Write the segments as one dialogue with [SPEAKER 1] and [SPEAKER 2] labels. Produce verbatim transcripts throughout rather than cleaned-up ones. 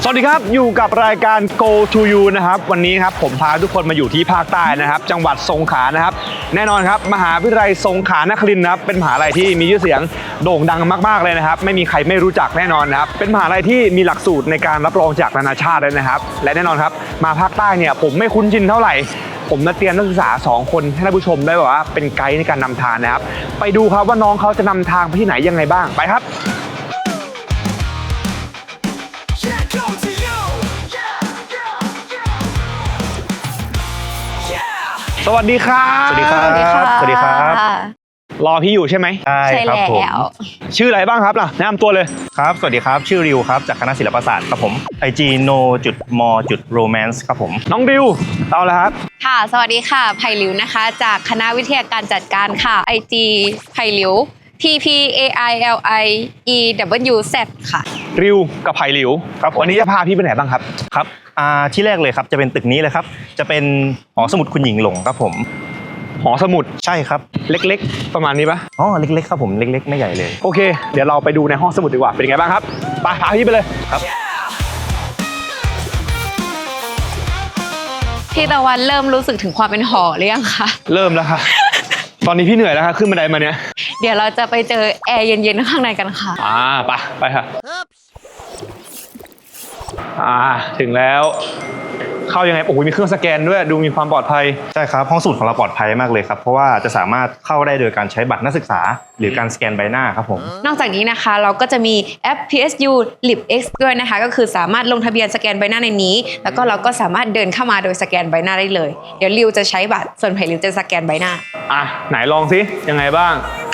[SPEAKER 1] สวัสดีครับอยู่กับรายการ Go to You นะครับวันนี้ครับผมพาทุกคนมาอยู่ที่ภาคใต้นะครับจังหวัดสงขลานะครับแน่นอนครับมหาวิทยาลัยสงขลานครินทร์นะครับเป็นมหาลัยที่มีชื่อเสียงโด่งดังมากๆเลยนะครับไม่มีใครไม่รู้จักแน่นอนนะครับเป็นมหาลัยที่มีหลักสูตรในการรับรองจากนานาชาติเลยนะครับและแน่นอนครับมาภาคใต้เนี่ยผมไม่คุ้นชินเท่าไหร่ผมมาเตรียมนักศึกษาสองคนให้ท่านผู้ชมได้แบบว่าเป็นไกด์ในการนำทางนะครับไปดูครับว่าน้องเขาจะนำทางไปที่ไหนยังไงบ้างไปครับสวัสดีครับ
[SPEAKER 2] สวัสดีครับ
[SPEAKER 3] สวัสดีครับ
[SPEAKER 2] สวัสดีครับ
[SPEAKER 1] รอพี่อยู่ใช่ไหม
[SPEAKER 2] ใช่
[SPEAKER 3] ใช่
[SPEAKER 2] ครับผม
[SPEAKER 3] แล้ว
[SPEAKER 1] ชื่ออะไรบ้างครับล่ะแนะนำตัวเลย
[SPEAKER 2] ครับสวัสดีครับชื่อริวครับจากคณะศิลปศาสตร์ครับผม ไอ จี โน จุด มอ จุด โรแมนซ์ ครับผม
[SPEAKER 1] น้องดิวเอาละครับ
[SPEAKER 3] ค่ะสวัสดีค่ะไผ่หลิวนะคะจากคณะวิทยาการจัดการค่ะ ไอ จี ไผ่หลิว P P A I L I E W Z ค่ะ
[SPEAKER 1] ริวกับไผ่หลิว
[SPEAKER 2] ครับผม
[SPEAKER 1] วันนี้จะพาพี่ไปไหนบ้างครับ
[SPEAKER 2] ครับอ่าที่แรกเลยครับจะเป็นตึกนี้เลยครับจะเป็นหอสมุดคุณหญิงหลงครับผม
[SPEAKER 1] หอสมุด
[SPEAKER 2] ใช่ครับ
[SPEAKER 1] เล็กๆประมาณนี้ปะ
[SPEAKER 2] อ๋อเล็กๆครับผมเล็กๆไม่ใหญ่เลย
[SPEAKER 1] โอเคเดี๋ยวเราไปดูในห้องสมุดดีกว่าเป็นยังไงบ้างครับไปพาพี่ไปเลยครับ
[SPEAKER 3] พี่ตะวันเริ่มรู้สึกถึงความเป็นหอหรือยังคะ
[SPEAKER 1] เริ่มแล้วค่ะ ตอนนี้พี่เหนื่อยแล้วค่ะขึ้นบันไดมาเนี่ย
[SPEAKER 3] เดี๋ยวเราจะไปเจอแอร์เย็นๆข้างในกันค่ะ
[SPEAKER 1] อ่าไปไปค่ะอ่าถึงแล้วเข้ายังไงโอ้โหมีเครื่องสแกนด้วยดูมีความปลอดภัย
[SPEAKER 2] ใช่ครับห้องสมุดของเราปลอดภัยมากเลยครับเพราะว่าจะสามารถเข้าได้โดยการใช้บัตรนักศึกษา หรือการสแกนใบหน้าครับผม
[SPEAKER 3] นอกจากนี้นะคะเราก็จะมีแอป พี เอส ยู LibX ด้วยนะคะก็คือสามารถลงทะเบียนสแกนใบหน้าในนี้ แล้วก็เราก็สามารถเดินเข้ามาโดยสแกนใบหน้าได้เลยเดี๋ยวริวจะใช้บัตรส่วนไผ่ริวจะสแกนใบหน้า
[SPEAKER 1] อ่ะไหนลองสิยังไงบ้าง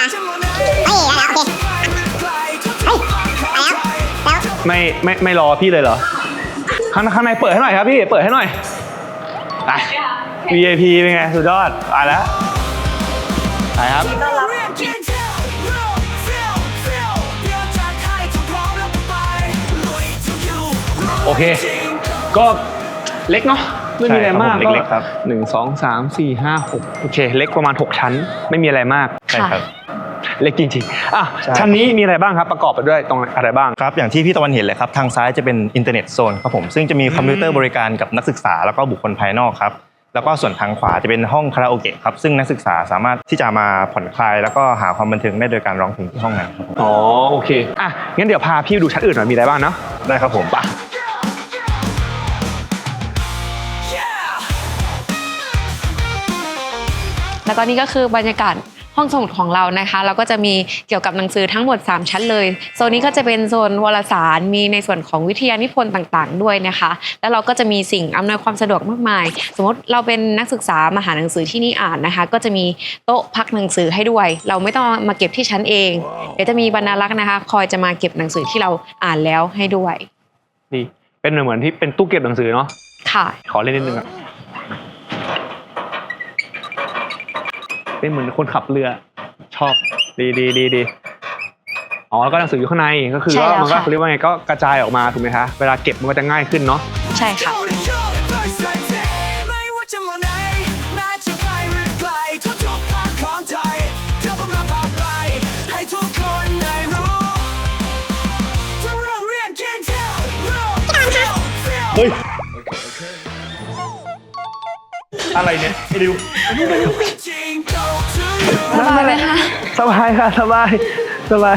[SPEAKER 1] ไม่ไม่ไม่รอพี่เลยเหรอข้างข้างในเปิดให้หน่อยครับพี่เปิดให้หน่อยไป วี ไอ พี เป็นไงสุดยอดไปแล้วไปครับโอเคก็เล็กเนาะไม่มีอะไรมาก
[SPEAKER 2] ใช่ครับผมเล็กๆครับ
[SPEAKER 1] หนึ่งสองสามสี่ห้าหกโอเคเล็กประมาณหกชั้นไม่มีอะไรมาก
[SPEAKER 2] ใช่ครับ
[SPEAKER 1] เล็กจริงๆอ่ะ
[SPEAKER 2] ใช่
[SPEAKER 1] ชั้นนี้มีอะไรบ้างครับประกอบไปด้วยตรงอะไรบ้าง
[SPEAKER 2] ครับอย่างที่พี่ตะวันเห็นเลยครับทางซ้ายจะเป็นอินเทอร์เน็ตโซนครับผมซึ่งจะมีคอมพิวเตอร์บริการกับนักศึกษาแล้วก็บุคคลภายนอกครับแล้วก็ส่วนทางขวาจะเป็นห้องคาราโอเกะครับซึ่งนักศึกษาสามารถที่จะมาผ่อนคลายแล้วก็หาความบันเทิงได้โดยการร้องเพลงที่ห้องนั้นครับผม
[SPEAKER 1] อ๋อโอเคอ่ะงั้นเดี๋ยวพาพี่ดูชั้นอื่นหน่อยมีอะไรบ้างเนาะ
[SPEAKER 2] ได้ครับผม
[SPEAKER 1] ไป
[SPEAKER 3] แล้วก็นี่ก็คือบรรยากาศห้องสมุดของเรานะคะเราก็จะมีเกี่ยวกับหนังสือทั้งหมดสามชั้นเลยโซนนี้ก็จะเป็นโซนวารสารมีในส่วนของวิทยานิพนธ์ต่างๆด้วยนะคะแล้วเราก็จะมีสิ่งอำนวยความสะดวกมากมายสมมติเราเป็นนักศึกษามาหาหนังสือที่นี่อ่านนะคะก็จะมีโต๊ะพักหนังสือให้ด้วยเราไม่ต้องมาเก็บที่ชั้นเองเดี๋ยวจะมีบรรณารักษ์นะคะคอยจะมาเก็บหนังสือที่เราอ่านแล้วให้ด้วย
[SPEAKER 1] นี่เป็นเหมือนที่เป็นตู้เก็บหนังสือเนาะ
[SPEAKER 3] ค่ะ
[SPEAKER 1] ขอเล่นนิดนึงอ่ะเป็นเหมือนคนขับเรือชอบดีดีดีดีอ๋อแล้วก็หนังสืออยู่ข้างในก็คือ
[SPEAKER 3] ใช่
[SPEAKER 1] ว่า
[SPEAKER 3] แล้ว
[SPEAKER 1] มันก็
[SPEAKER 3] ค่ะ
[SPEAKER 1] เขาเรียกว่าไงก็กระจายออกมาถูกไหมคะเวลาเก็บมันก็จะง่ายขึ้นเนาะ
[SPEAKER 3] ใช่ค่ะ
[SPEAKER 1] เฮ้ยอะไรเนี่ยไอ้ดิว
[SPEAKER 3] สบายไหมคะ
[SPEAKER 1] สบายค่ะสบายสบาย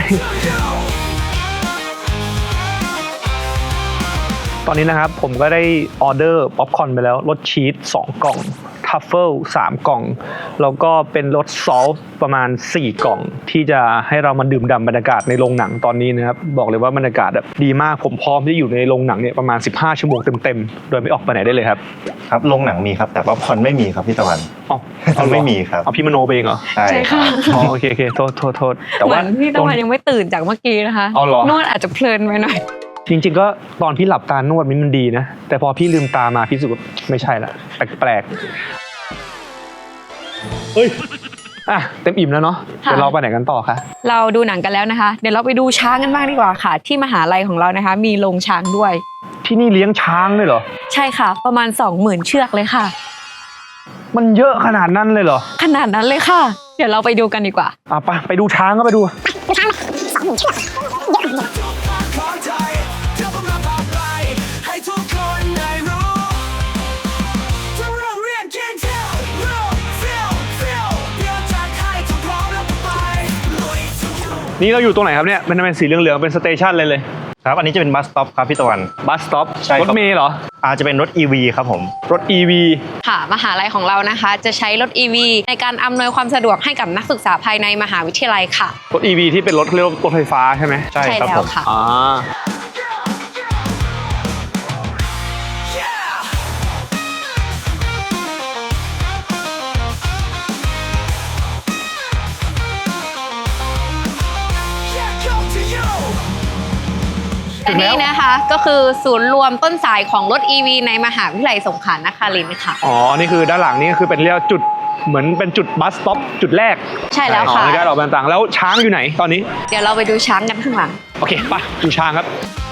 [SPEAKER 1] ตอนนี้นะครับผมก็ได้ออเดอร์ป๊อปคอร์นไปแล้วรสชีสสองกล่องทัฟเฟิลสามกล่องแล้วก็เป็นรสซอสประมาณสี่กล่องที่จะให้เรามาดื่มด่ำบรรยากาศในโรงหนังตอนนี้นะครับบอกเลยว่าบรรยากาศแบบดีมากผมพร้อมที่อยู่ในโรงหนังเนี่ยประมาณสิบห้าชั่วโมงเต็มๆโดยไม่ออกไปไหนได้เลยครับ
[SPEAKER 2] ครับโรงหนังมีครับแต่ว่าพอนไม่มีครับพี่ตะวัน
[SPEAKER 1] อ๋อ
[SPEAKER 2] เอาไม่มีครับ
[SPEAKER 1] เอาพี่มโนไปเองเหรอ
[SPEAKER 2] ใช่
[SPEAKER 3] ใช่
[SPEAKER 2] ครั
[SPEAKER 3] ค่ะ
[SPEAKER 2] บ
[SPEAKER 1] อ๋อโอเคโอเคโทษโทษโทษแต่
[SPEAKER 3] เหมื
[SPEAKER 1] ว่า
[SPEAKER 3] อนพี่ตะวันยังไม่ตื่นจากเมื่อกี้นะคะ
[SPEAKER 1] เอาเหรอ
[SPEAKER 3] นวดอาจจะเพลินไปหน่อย
[SPEAKER 1] จริงๆก็ตอนพี่หลับตานวดมันดีนะแต่พอพี่ลืมตามาพี่รู้สึกว่าไม่ใช่ละแปลกๆเฮ้ยอ่ะเต็มอิ่มแล้วเนาะ
[SPEAKER 3] ค่ะ
[SPEAKER 1] เดี๋ยวเราไปไหนกันต่อคะ
[SPEAKER 3] เราดูหนังกันแล้วนะคะ เดี๋ยวเราไปดูช้างกันบ้างดีกว่าค่ะ ที่มหาลัยของเรานะคะ มีโรงช้างด้วย
[SPEAKER 1] ที่นี่เลี้ยงช้างเลยเหรอ
[SPEAKER 3] ใช่ค่ะ ประมาณ สองหมื่น เชือกเลยค่ะ
[SPEAKER 1] มันเยอะขนาดนั้นเลยเหรอ
[SPEAKER 3] ขนาดนั้นเลยค่ะ เดี๋ยวเราไปดูกันดีกว่า
[SPEAKER 1] อ่ะไปไปดูช้างก็ไปดู
[SPEAKER 4] สองหมื่นเชือกเยอะ
[SPEAKER 1] นี่เราอยู่ตรงไหนครับเนี่ยมันเป็นสีเหลืองๆเป็นสเตชันเลยเลย
[SPEAKER 2] ครับอันนี้จะเป็นบัสสต็อปครับพี่ตะวัน
[SPEAKER 1] บัสสต็อป
[SPEAKER 2] ใช่ครับ
[SPEAKER 1] รถเมล์เหรอ
[SPEAKER 2] อาจจะเป็นรถ อี วี ครับผม
[SPEAKER 1] รถ อี วี
[SPEAKER 3] ค่ะมหาลัยของเรานะคะ จะใช้รถ อี วี ในการอำนวยความสะดวกให้กับนักศึกษาภายในมหาวิทยาลัยค่ะ
[SPEAKER 1] รถ อี วี ที่เป็นรถเรียกว่ารถไฟฟ้าใช่ไหม
[SPEAKER 2] ใช่ครับ
[SPEAKER 3] แล้
[SPEAKER 2] ผ
[SPEAKER 3] ว
[SPEAKER 2] ม
[SPEAKER 3] ค่ะ
[SPEAKER 1] อ่า
[SPEAKER 3] และนี่นะคะก็คือศูนย์รวมต้นสายของรถ อี วี ในมหาวิทยาลัยสงขลานครินทร์ค่ะ
[SPEAKER 1] อ๋อ นี่คือด้านหลังนี่ก็คือเป็นเรียกว่าจุดเหมือนเป็นจุดบัสสต็อปจุดแรก
[SPEAKER 3] ใช่แล้ว
[SPEAKER 1] อ๋อ
[SPEAKER 3] ค่ะ
[SPEAKER 1] ในการออกแบบต่างๆแล้วช้างอยู่ไหนตอนนี้
[SPEAKER 3] เดี๋ยวเราไปดูช้างกันข้างหลัง
[SPEAKER 1] โอเคไปดูช้างครับ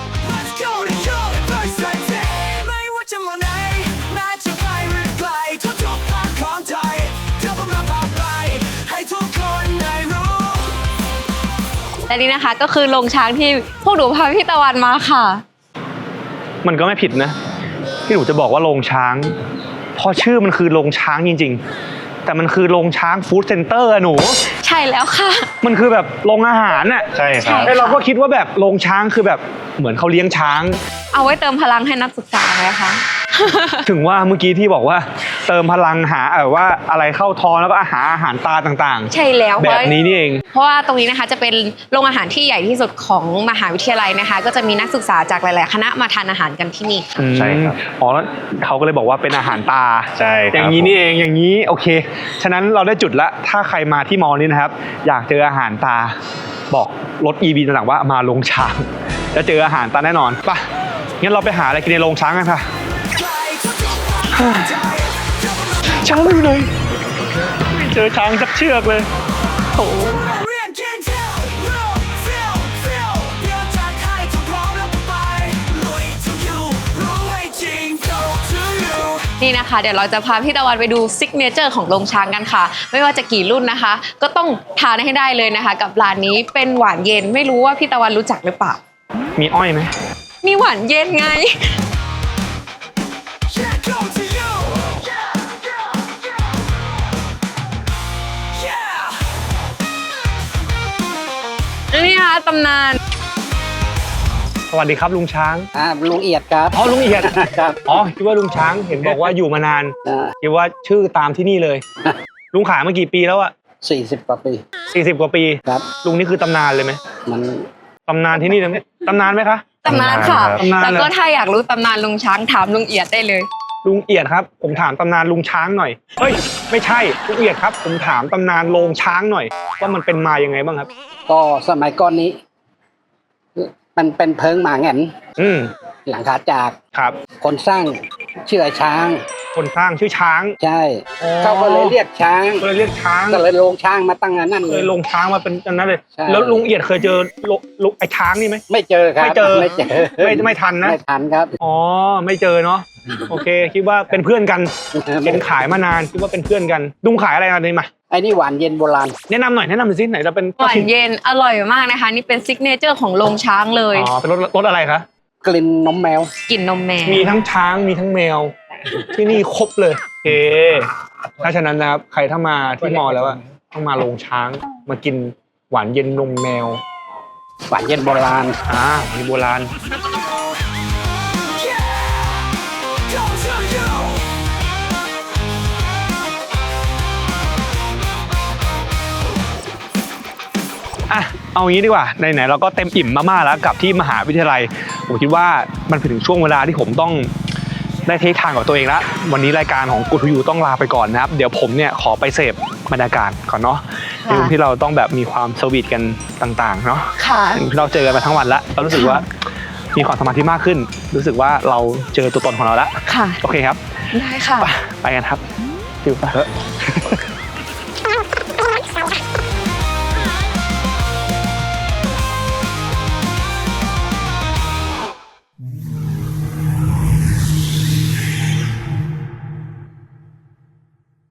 [SPEAKER 3] และนี่นะคะก็คือโรงช้างที่พวกหนูพาพี่ตะวันมาค่ะ
[SPEAKER 1] มันก็ไม่ผิดนะ ที่หนูจะบอกว่าโรงช้างเพราะชื่อมันคือโรงช้างจริงๆ แต่มันคือโรงช้างฟู้ดเซ็นเตอร์อะหนู
[SPEAKER 3] ใช่แล้วค่ะ
[SPEAKER 1] มันคือแบบโรงอาหารน่ะ
[SPEAKER 2] ใช่ครับ
[SPEAKER 1] ไอ้เราก็คิดว่าแบบโรงช้างคือแบบเหมือนเขาเลี้ยงช้าง
[SPEAKER 3] เอาไว้เติมพลังให้นักศึกษาไหมคะ
[SPEAKER 1] ถึงว่าเมื่อกี้ที่บอกว่าเติมพลังหาเออว่าอะไรเข้าท้องแล้วก็อาหารอาหารตาต่าง
[SPEAKER 3] ใช่แล้ว
[SPEAKER 1] ๆ แบบนี้นี่เอง
[SPEAKER 3] เพราะว่าตรงนี้นะคะจะเป็นโรงอาหารที่ใหญ่ที่สุดของมหาวิทยาลัยนะคะ ก็จะมีนักศึกษาจากหลาย ๆ คณะมาทานอาหารกันที่นี่ค่ะ
[SPEAKER 2] ใช่ครับ
[SPEAKER 1] อ๋อแล้วเขาก็เลยบอกว่าเป็นอาหารตา
[SPEAKER 2] ใช่ครับ
[SPEAKER 1] อย่างนี้นี่เองอย่างนี้โอเค ฉะนั้นเราได้จุดละถ้าใครมาที่มอนี้นะครับ อยากเจออาหารตาบอกรถ อี วี ต่างๆว่ามาโรงช้างจะเจออาหารตาแน่นอนไปงั้นเราไปหาอะไรกินในโรงช้างกันค่ะช้างไม่อยู่ไหนไม่เจอช้างสักเชือกเลยโอ้
[SPEAKER 3] นี่นะคะเดี๋ยวเราจะพาพี่ตะวันไปดูซิกเนเจอร์ของโรงช้างกันค่ะ ไม่ว่าจะกี่รุ่นนะคะ ก็ต้องทานให้ได้เลยนะคะ กับร้านนี้เป็นหวานเย็นไม่รู้ว่าพี่ตะวันรู้จักหรือเปล่า
[SPEAKER 1] มีอ้อยไหม
[SPEAKER 3] มีหวานเย็นไง นี่นะคะตำนาน
[SPEAKER 1] สวัสดีครับลุงช้าง
[SPEAKER 4] อ่าลุงเอียดครับ
[SPEAKER 1] อ๋อลุงเอียด
[SPEAKER 4] ครับ
[SPEAKER 1] อ๋อคิดว่าลุงช้างเห็นบอกว่าอยู่มานาน
[SPEAKER 4] อ่า
[SPEAKER 1] คิดว่าชื่อตามที่นี่เลย ลุงขายมากี่ปีแล้วอะ
[SPEAKER 4] สี่สิบกว่าปี
[SPEAKER 1] สี่สิบกว่าปี
[SPEAKER 4] ครับ
[SPEAKER 1] ลุงนี่คือตำนานเลยไหม
[SPEAKER 4] มัน
[SPEAKER 1] ตำนานที่นี่เลยไหมตำนานไหมคะ
[SPEAKER 3] ตำนานค่ะ
[SPEAKER 1] ตำนาน
[SPEAKER 3] แล้วก็
[SPEAKER 1] เลย
[SPEAKER 3] ถ้าอยากรู้ตำนานลุงช้างถามลุงเอียดได้เลย
[SPEAKER 1] ลุงเอียดครับ ผมถามตำนานลุงช้างหน่อยเฮ้ยไม่ใช่ลุงเอียดครับ ผมถามตำนานโรงช้างหน่อย ว่ามันเป็นมายังไงบ้างครับ
[SPEAKER 4] ก็สมัยก่อนนี้ มันเป็นเพิงหมาแหงน
[SPEAKER 1] อืม
[SPEAKER 4] หลังคาจาก
[SPEAKER 1] ครับ
[SPEAKER 4] คนสร้างชื่อไอ้ช้าง
[SPEAKER 1] คนสร้างชื่อช้าง
[SPEAKER 4] ใช่
[SPEAKER 1] อ๋อ
[SPEAKER 4] เขาก็เลยเรียกช้าง
[SPEAKER 1] ก็เลยเรียกช้าง
[SPEAKER 4] ก็เลยลงช้างมาตั้งอันนั่น
[SPEAKER 1] เค
[SPEAKER 4] เลย ย
[SPEAKER 1] ลงช้างมาเป็นอันนั้นเลย
[SPEAKER 4] ใช่
[SPEAKER 1] แล้วลุงเอียดเคยเจอลุลุไอ้ช้างนี่ไหม
[SPEAKER 4] ไม่เจอครับ
[SPEAKER 1] ไม่เจอ
[SPEAKER 4] ไม่เจอ
[SPEAKER 1] ไม่ไม่ทันนะ
[SPEAKER 4] ไม่ทันครับ
[SPEAKER 1] อ๋อไม่เจอเนาะโอเค คิดว่าเป็นเพื่อนกันเห็นขายมานานคิดว่าเป็นเพื่อนกันลุงขายอะไรกันนี่มา
[SPEAKER 4] ไอ้นี่หวานเย็นโบราณ
[SPEAKER 1] แนะนำหน่อยแนะนำหน่อยสิไหนจะเป็น
[SPEAKER 3] หวานเย็นอร่อยมากนะคะ นี่เป็นซิกเนเจอร์ของโรงช้างเลย
[SPEAKER 1] อ๋อเป็นรถรถอะไรคะ
[SPEAKER 4] กลิ่นนมแมว
[SPEAKER 3] กลิ่นนมแมว
[SPEAKER 1] มีทั้งช้างมีทั้งแมว ที่นี่ครบเลยโอเคถ้าฉะนั้นนะครับใครถ้ามาที่มอแล้วอะต้องมาโรงช้างมากินหวานเย็นนมแมว
[SPEAKER 4] หวานเย็นโบราณ
[SPEAKER 1] อ่ามีโบราณอ่ะเอางี้ดีกว่าไหนๆเราก็เต็มอิ่มมากๆแล้วกับที่มหาวิทยาลัยผมคิดว่ามันถึงช่วงเวลาที่ผมต้องได้เทคทางกับตัวเองแล้ววันนี้รายการของกูทูยูต้องลาไปก่อนนะครับเดี๋ยวผมเนี่ยขอไปเสพบรรยากาศก่อนเนาะที่ที่เราต้องแบบมีความสวีทกันต่างๆเนาะ
[SPEAKER 3] ค่ะ
[SPEAKER 1] เราเจอกันมาทั้งวันแล้วเรารู้สึกว่ามีความสมาธิมากขึ้น รู้สึกว่าเราเจอตัวตนของเราแล้ว
[SPEAKER 3] ค่ะ
[SPEAKER 1] โอเคครับ
[SPEAKER 3] ได้ค่ะ
[SPEAKER 1] ไปไปกันครับฟิวไป